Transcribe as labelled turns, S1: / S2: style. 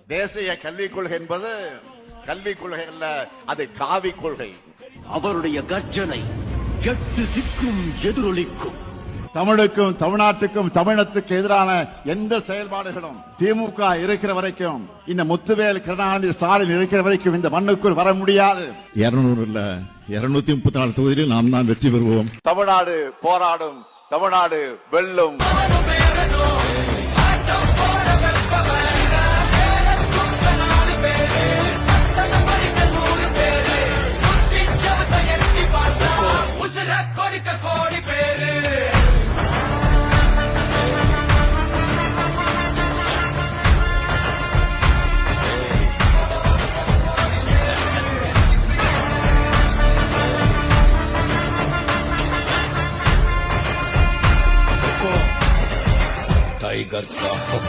S1: தேசிய கல்விக் கொள்கை என்பது கல்விக் கொள்கை அல்ல, அது காவி கொள்கை.
S2: அவருடைய கர்ஜனை 8 திக்கும் எதிரொலிக்கும்.
S1: தமிழுக்கும் தமிழ்நாட்டுக்கும் தமிழத்துக்கு எதிரான எந்த செயல்பாடுகளும் திமுக இருக்கிற வரைக்கும், இந்த முத்துவேல் கருணாநிதி ஸ்டாலின் இருக்கிற வரைக்கும் இந்த மண்ணுக்குள் வர முடியாது.
S3: 200 இல்ல 234 தொகுதியில் நாம் தான் வெற்றி பெறுவோம்.
S1: தமிழ்நாடு போராடும், தமிழ்நாடு வெல்லும்.
S4: टाइगर का